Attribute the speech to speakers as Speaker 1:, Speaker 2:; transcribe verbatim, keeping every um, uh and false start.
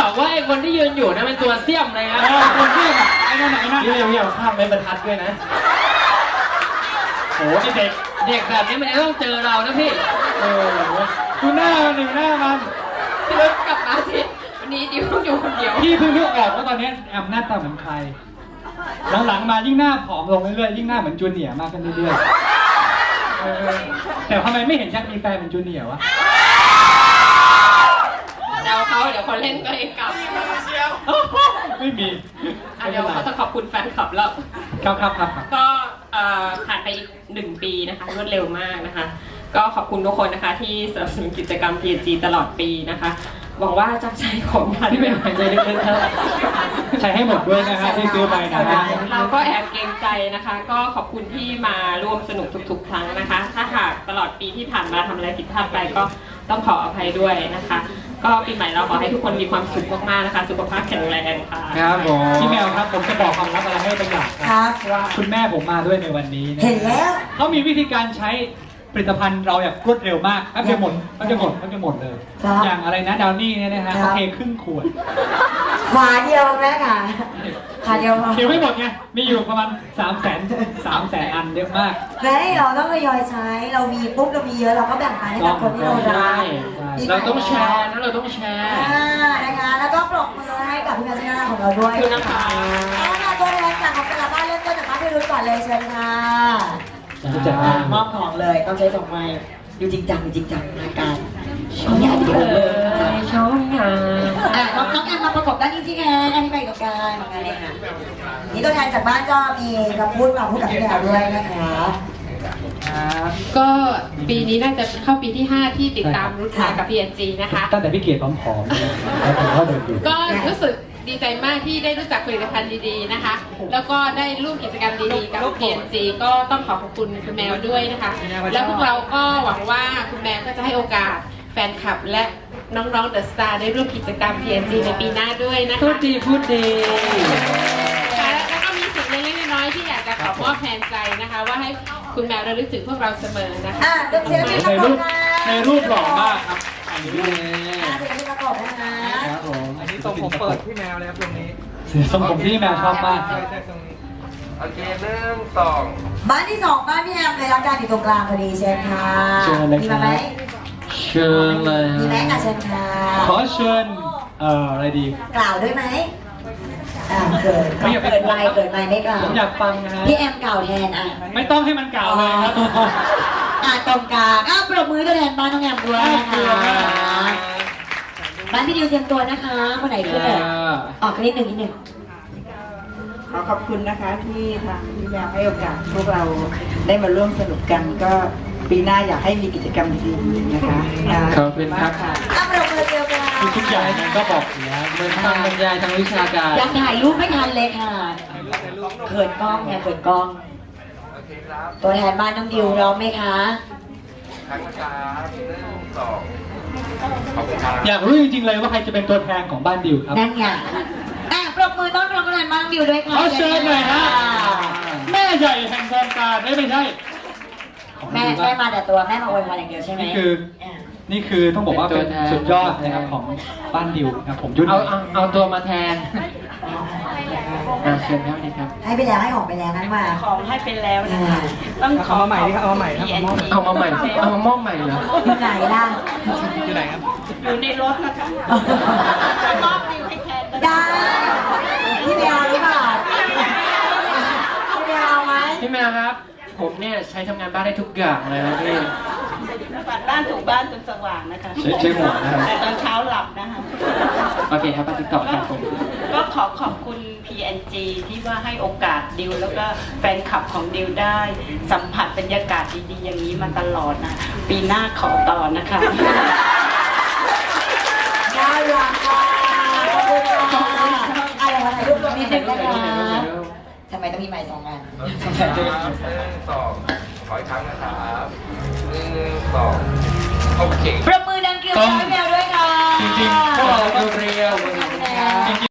Speaker 1: าวว่าไอ้คนที่ยืนอยู่นั่นเป็นตัวเสี่ยมเลยนะตัวเสี่ยมอ่ะไอ้นั่นไหนนั่นเร็วๆข้ามไม่บรรทัดด้วยนะโหเด็กเด็กแบบนี้มันต้องเจอเรานะพี่เออดูหน้ามันดูหน้ามันพี่เลิกกลับมาสิวันนี้ดิวต้องอยู่คนเดียวพี่เพิ่งนึกออกว่าตอนนี้แอมหน้าตาเหมือนใครหลังๆมายิ่งหน้าผอมลงเรื่อยๆยิ่งหน้าเหมือนจูเนียร์มากขึ้นเรื่อยๆแต่ทำไมไม่เห็นชักมีแฟนเป็นจูเนียร์วะ
Speaker 2: เดาเขาเดี๋ยวคนเล่นก็เองกลับ
Speaker 1: ไม่มี
Speaker 2: เดี๋ยวเขาจะขอบคุณแฟนคลับแล้ว
Speaker 1: ครับครับครับ
Speaker 2: ก็ผ่านไปอีกหนึ่งปีนะคะรวดเร็วมากนะคะก็ขอบคุณทุกคนนะคะที่สนับสนุนกิจกรรม พี เอ็น จี ตลอดปีนะคะหวังว่าจะใช้ของทัน
Speaker 1: ที่เป็นหายใจลึกๆครับใช้ให้หมดด้วยนะฮะที่ซื้อไปนะฮะ
Speaker 2: เราก็แอบเกรงใจนะคะก็ขอบคุณที่มาร่วมสนุกทุกๆครั้งนะคะถ้าหากตลอดปีที่ผ่านมาทำอะไรผิดพลาดไปก็ต้องขออภัยด้วยนะคะก็ปีใหม่เราขอให้ทุกคนมีความสุขมากๆนะคะสุขภาพแข็งแรงค่ะ
Speaker 1: ครับผมพี่แมวครับผมจะบอกความลับอะไรให้บางอย่างครับว่าคุณแม่ผมมาด้วยในวันนี้
Speaker 3: เห็นแล้ว
Speaker 1: เขามีวิธีการใช้ผลิตภัณฑ์เราแบบรวดเร็วมากแป๊บเดียวหมดแป๊บเดียวหมดแป๊บเดียวหมดเลยอย่างอะไรนะดาวนี่เนี่ยนะฮะโอเคครึ่งขวด
Speaker 3: ฝาเดียวแม่ค่ะฝาเดียวพอ
Speaker 1: เดี๋ยวไม่หมดไงมีอยู่ประมาณสามแสนสามแสนอันเยอะมาก
Speaker 3: แม่เราต้องทยอยใช้เรามีปุ๊บเรามีเยอะเราก็แบ่งปันให้กับคนที่เรารัก
Speaker 1: เราต้องแชร์นะเราต้องแชร์
Speaker 3: นะคะแล้วก็ปรบมือให้กับพี่แม่ชนะของเราด้วย
Speaker 2: นะคะ
Speaker 3: แล้วตัวแทนจากของแต่ละบ้านเริ่มต้นจากบ้านพี่รุ่นก่อนเลยเชิญค่ะมอบของเลยต้องใช้สองไม้ดูจริงจังดูจริงจังอาการช่องงานวิดีโอเลย
Speaker 2: ช่องงาน
Speaker 3: อ่ะน้องน้องแอมมาประกบด้านนี้ที่แอนอันนี้ไปกับการงานเองค่ะนี่ตัวแทนจากบ้านก็มีคำพูดมาพูดกับพี่แอมด้วยนะคะ
Speaker 2: ก็ปีนี้น่าจะเข้าปีที่ห้าที่ติดตามรุ่นมากับ พี เอ็น จี นะคะ
Speaker 1: ตั้งแต่พี่เกียรติผอมๆเลย
Speaker 2: ก็รู้สึกดีใจมากที่ได้รู้จักผลิตภัณฑ์ดีๆนะคะแล้วก็ได้ร่วมกิจกรรมดีๆกับ พี เอ็น จี ก็ต้องขอขอบคุณคุณแมวด้วยนะคะแล้วพวกเราก็หวังว่าคุณแมวก็จะให้โอกาสแฟนคลับและน้องๆเดอะสตาร์ได้ร่วมกิจกรรม พี เอ็น จี ในปีหน้าด้วยนะคะ
Speaker 1: พูดดีพูดดี
Speaker 2: แล้วก็มีสิ่งเล็กๆน้อยๆที่อยากจะขอมอบแทนใจนะคะว่าให้คุณแมวระลึกถึงพวกเราเสมอนะคะ
Speaker 3: อ่ะเดี๋ยวเชิญพี่ประกบนะ
Speaker 1: ในรูปหล่อมากครับอันนี้เลย
Speaker 3: อ่ะเดี๋ยวพี่ประกบนะครับ
Speaker 1: ผมอันนี้ทรงผมเปิดพี่แมวเลยครับตรงนี้ทรงผมที่แมวชอบมากใช่ใช่ตรงนี้
Speaker 4: โอเคเริ่มสอง
Speaker 3: บ้านที่สองบ้านพี่แอมเลยรับการอยู่ตรงกลางพอดีเชิญค่ะมีมาไหม
Speaker 1: เชิญเลย
Speaker 3: มีไหมอ่ะเชิญค่ะ
Speaker 1: ขอเชิญเอ่ออะไรดี
Speaker 3: กล่าวด้วยไหมอ่าเกิดเกิดไม่เกิดไม่ไม่กล่าว
Speaker 1: ผมอยากฟังนะฮะ
Speaker 3: พี่แอมกล่าวแทนอ่ะ
Speaker 1: ไม่ต้องให้มันกล่าวเลยครับ
Speaker 3: อ่ะตรงกลางอ่ะปรบมือตัวแทนบ้านน้องแอมด้วยนะคะบ้านพี่ดิวเตรียมตัวนะคะคนไหนขึ้นเลยออกนิดหนึ่งนิดหนึ่ง
Speaker 5: ขอขอบคุณนะคะที่ทางพี่แมวให้โอกาสพวกเราได้มาร่วมสนุกกันก็ปีหน้าอยากให้มีกิจกรรมดีๆนะคะ
Speaker 1: ขอบคุณครับ
Speaker 3: อ่ะปรบมือเดียวกัน
Speaker 1: ทุกอย่างนั้นก็บอกอยู่แล้วเหมือนทางบรรยายทางวิชาการ
Speaker 3: ยังถ่ายรูปไม่ทันเลยค่ะเขินกล้องไงเขินกล้องตัวแทนบ้านน้องดิวร้องไหมคะ
Speaker 4: ครั้งนะครับหนึ่งสอง
Speaker 1: อยากรู้จริงๆเลยว่าใครจะเป็นตัวแทนของบ้านดิวครับ
Speaker 3: นั่นไงอ่ะปรบมือต้อนรับตัวแทนบ้านน้องดิวด้วยค่ะ
Speaker 1: ขอเชิญหน่อยฮะแม่ใหญ่แห่งวงการไม่ไม่ใช่
Speaker 3: แม่แม่มาแต่ตัวแม่มาอวยพรอย่างเดียวใช่ไหม
Speaker 1: นี่คือนี่คือต้องบอกว่าเป็นสุดยอดนะครับของบ้านดิวนะผมยุ่นเอาเอาตัวมาแทนเชิญครับนี่ครับ
Speaker 3: ให้ไปแล้วให้ของไปแล้วนั่นมา
Speaker 5: ของให้ไปแล้วนะคะต้องขอ
Speaker 1: มาใหม่ดิครับเอามาใหม่ครับเอามาใหม่เอามามอบใหม่เหรอ
Speaker 3: อยู่ไหนล่ะ
Speaker 1: อยู่ไหนครับ
Speaker 5: อยู่ในรถนะคะมอบดิวให้แทน
Speaker 3: ได้พี่แมวหรือเปล่าพี่แมวไหม
Speaker 1: พี่แมวครับผมเนี่ยใช้ทำงานบ้านได้ทุกอย่างเลยนะพี่
Speaker 5: ปัดบ้านถูกบ้านจนสว่างนะคะ
Speaker 1: ใช้ใช้หัวนะ
Speaker 5: แต่ตอนเช้าหลับนะคะ
Speaker 1: โอเคครับมาติดต่อครับผม
Speaker 5: ก็ขอขอบคุณ พี เอ็น จี ที่ว่าให้โอกาสดิวแล้วก็แฟนคลับของดิวได้สัมผัสบรรยากาศดีๆอย่างนี้มาตลอดนะปีหน้าขอต่อนะคะ
Speaker 3: น่ารักค่ะขอบคุณค่ะอะไรมาถ่ายรูปรวมนิดนึงนะคะทำไมต้องมีไมค์สองอัน
Speaker 4: หนึ่งสองขออีกครั้งนะครับหนึ่งสองโอเค
Speaker 3: ปรบมือดังเกลียวให้แมวด้วยค่ะ
Speaker 1: จริงๆพวกเราเรียวจริง